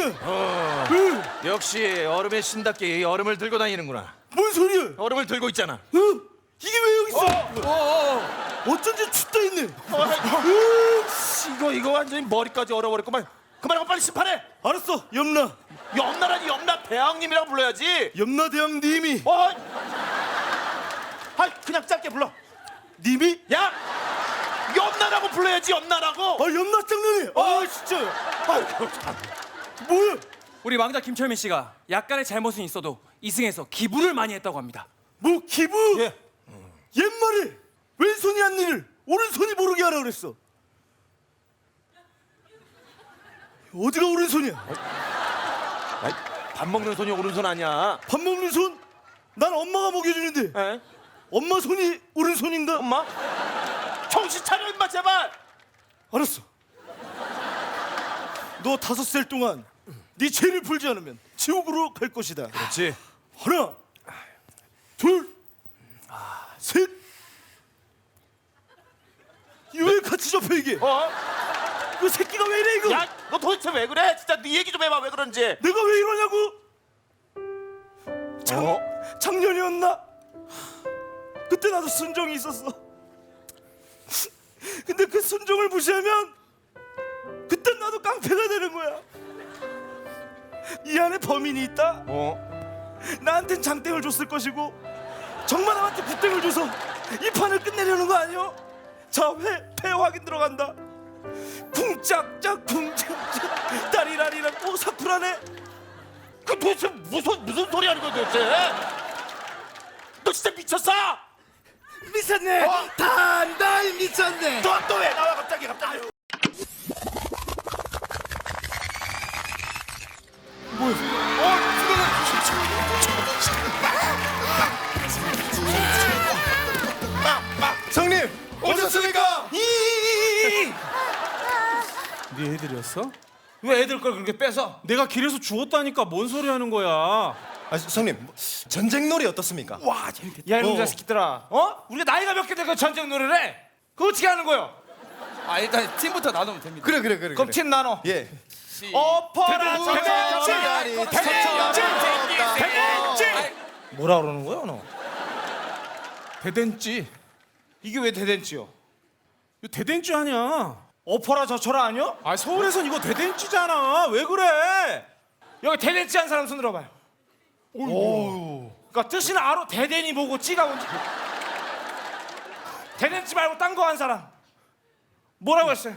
역시 얼음의 신답게 이 얼음을 들고 다니는구나. 뭔 소리야? 얼음을 들고 있잖아. 이게 왜 여기 있어? 어쩐지 춥다 했네. 이거 완전히 머리까지 얼어버렸구만. 그만하고 빨리 심판해. 알았어, 염라. 염라라니 염라 대왕님이라고 불러야지. 염라대왕님이. 그냥 짧게 불러. 님이? 야, 염라라고 불러야지. 염라라고. 염라 장난해. 진짜요. 아이고, 참. 뭐야? 우리 왕자 김철민 씨가 약간의 잘못은 있어도 이승에서 기부를 많이 했다고 합니다. 뭐 기부? 옛말에 왼손이 한 일을 오른손이 모르게 하라 그랬어. 어디가 오른손이야? 밥 먹는 손이 오른손 아니야. 밥 먹는 손? 난 엄마가 먹여주는데. 에? 엄마 손이 오른손인가? 엄마? 정신 차려 임마 제발. 알았어. 너 5살 동안 네 죄를 풀지 않으면 지옥으로 갈 것이다. 그렇지. 하나, 둘, 셋. 이거 왜 같이 접혀 이게? 그 새끼가 왜 이래 이거? 야, 너 도대체 왜 그래? 진짜 네 얘기 좀 해봐. 왜 그런지. 내가 왜 이러냐고? 작년이었나? 그때 나도 순종이 있었어. 근데 그 순종을 무시하면 그때 나도 깡패가 되는 거야. 이 안에 범인이 있다? 나한텐 장땡을 줬을 것이고 정만함한테 굿땡을 줘서 이 판을 끝내려는 거 아니오? 자, 패 확인 들어간다. 쿵짝짝 쿵짝짝 따리라리라. 사쿠라네. 그 도대체 무슨 소리 하는 거야 도대체? 너 진짜 미쳤어? 미쳤네. 단단 미쳤네. 또 왜 나와 갑자기? 성님 오셨습니까? 네 애들이었어? 왜 애들 걸 그렇게 뺏어? 내가 길에서 주웠다니까 뭔 소리 하는 거야? 성님 전쟁놀이 어떻습니까? 와 재밌겠다. 야 이놈 자식들아, 우리가 나이가 몇 개 되고 전쟁 놀이를 해? 그거 어떻게 하는 거요? 일단 팀부터 나누면 됩니다. 그래. 그럼 팀 나눠. 예. 어퍼라 대댄지. 뭐라 그러는 거야 너? 대댄지. 이게 왜 대댄지요? 이거 대댄지 아니야. 어퍼라 저쳐라 아니요? 서울에선 이거 대댄지잖아. 왜 그래? 여기 대댄지 한 사람 손 들어봐요. 그러니까 뜻이는 알아. 대댄이 뭐고 찌가 뭔지. 대댄지 말고 딴 거 한 사람. 뭐라고 했어요?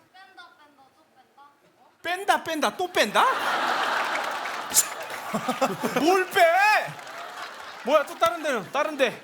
뺀다 또 뺀다? 뭘 빼? 뭐야 또 다른 데는? 다른데.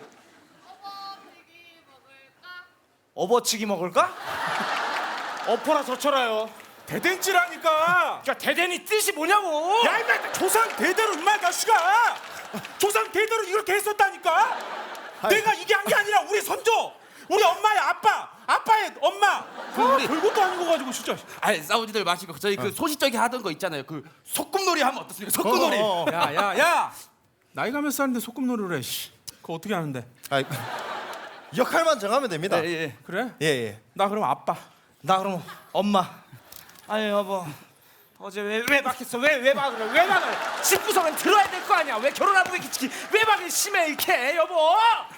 어버치기 먹을까? 어퍼라 저쳐라요. 대댄지라니까. 그러니까 대댄이 뜻이 뭐냐고. 야 임마 조상 대대로 임마 자식아. 조상 대대로 이렇게 했었다니까. 내가 이게 한 게 아니라 우리 선조, 우리 엄마의 아빠의 엄마. 별것도 아닌 거 가지고 진짜. 아니 싸우지들 마시고 저희 그 소시적이 하던 거 있잖아요. 그 소꿉놀이 하면 어떻습니까? 소꿉놀이. 야. 나이가 몇 살인데 소꿉놀이를 해. 그거 어떻게 하는데? 역할만 정하면 됩니다. 예. 그래? 예. 나 그럼 아빠. 나 그럼 엄마. 아니 여보, 어제 왜 외박했어? 왜 외박을? 외박을 집구석은 들어야 될 거 아니야? 왜 결혼하고 이렇게 외박이 심해 이렇게 여보?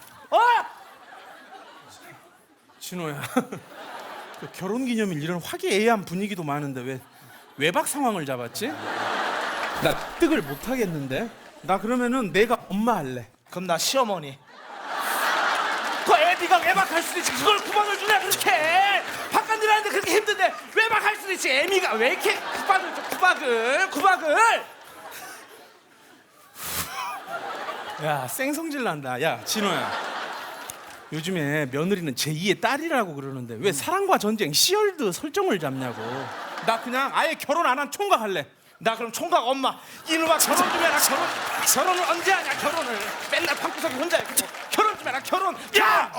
진호야. 그 결혼기념일 이런 화기애애한 분위기도 많은데 왜 외박 상황을 잡았지? 나 뜨글 못 하겠는데. 나 그러면은 내가 엄마 할래. 그럼 나 시어머니. 그 애비가 외박할 수도 있지. 그걸 9번을 주냐 그렇게? 바깥 일하는데 그렇게 힘든데 외박할 수도 있지. 애미가 왜 이렇게 구박을? 야 생성질 난다. 야 진호야. 요즘에 며느리는 제2의 딸이라고 그러는데 왜 사랑과 전쟁 시월드 설정을 잡냐고. 나 그냥 아예 결혼 안 한 총각 할래. 나 그럼 총각 엄마. 이놈아 결혼 좀 해라. 결혼을 언제 하냐 결혼을. 맨날 방구석에 혼자 이렇게 결혼 좀 해라 결혼. 야!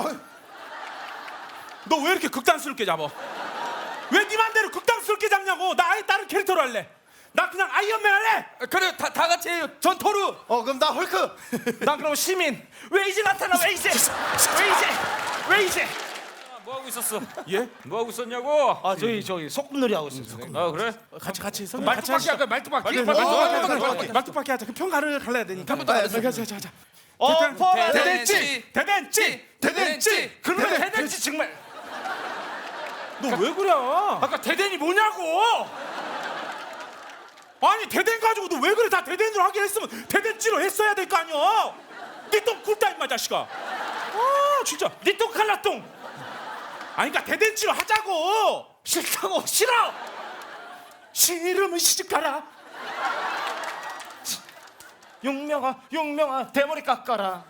너 왜 이렇게 극단스럽게 잡아? 왜 네 맘대로 극단스럽게 잡냐고. 나 아예 다른 캐릭터로 할래. 나 그냥 아이언맨 할래. 그래 다 같이 해요. 전 토르. 그럼 나 헐크. 난 그럼 시민. 왜 이제 나타나? 왜 이제? 뭐 하고 있었어? 예? 뭐 하고 있었냐고? 아 저기 소꿉놀이 하고 있어요. 선생님. 아 그래? 같이 성님 말뚝박기 같이 하시죠. 할까 말뚝박기? 말뚝박기 하자. 그 평가를 갈라야 되니까. 자. 어퍼 대댄지! 대댄지 그러면 대댄지 정말 너 왜 그래? 아까 대댄이 뭐냐고. 아니 대댄 가지고 너 왜 그래? 다 대댄으로 하긴 했으면 대댄지로 했어야 될 거 아니야. 니똥 굴다 임마 자식아. 아 진짜. 니똥 칼라똥 아니 그러니까 대댄지로 하자고. 싫다고. 싫어. 싫으면 시집 가라. 용명아 대머리 깎아라.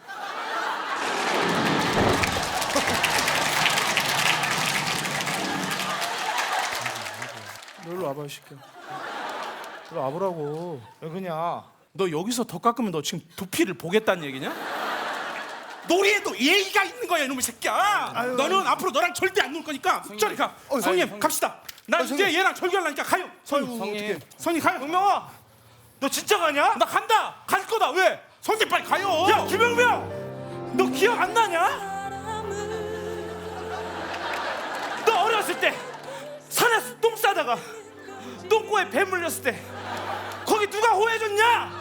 너 일로 와봐 이 새끼야. 일로 와보라고. 왜 그냐? 너 여기서 더 깎으면 너 지금 두피를 보겠다는 얘기냐? 놀이에도 예의가 있는 거야 이놈의 새끼야. 너는 앞으로 너랑 절대 안 놀 거니까 저리 가. 성님 갑시다. 난 이제 얘랑 절교하려니까 가요. 성님 가요. 용명아 너 진짜 가냐? 나 간다. 갈 거다. 왜? 성님 빨리 가요. 야 김영명 너 기억 안 나냐? 너 어렸을 때 산에서 똥 싸다가 똥꼬에 배 물렸을 때 거기 누가 호해줬냐?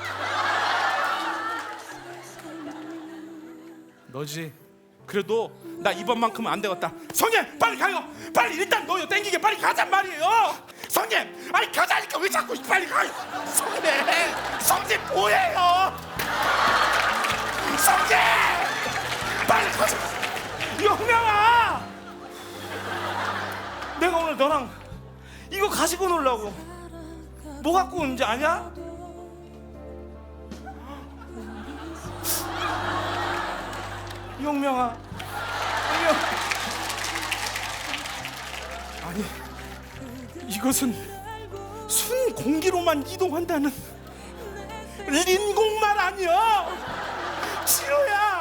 너지. 그래도 나 이번만큼은 안 되겠다. 성님 빨리 가요. 빨리 일단 너요 땡기게 빨리 가잔 말이에요. 성님 아니 가자니까 왜 자꾸 빨리 가요. 성님 뭐예요? 성님 빨리 가자. 영명아 내가 오늘 너랑 이거 가지고 놀라고 뭐 갖고 온지 아냐? 용명아 아니 이것은 순 공기로만 이동한다는 린공말 아니야. 진호야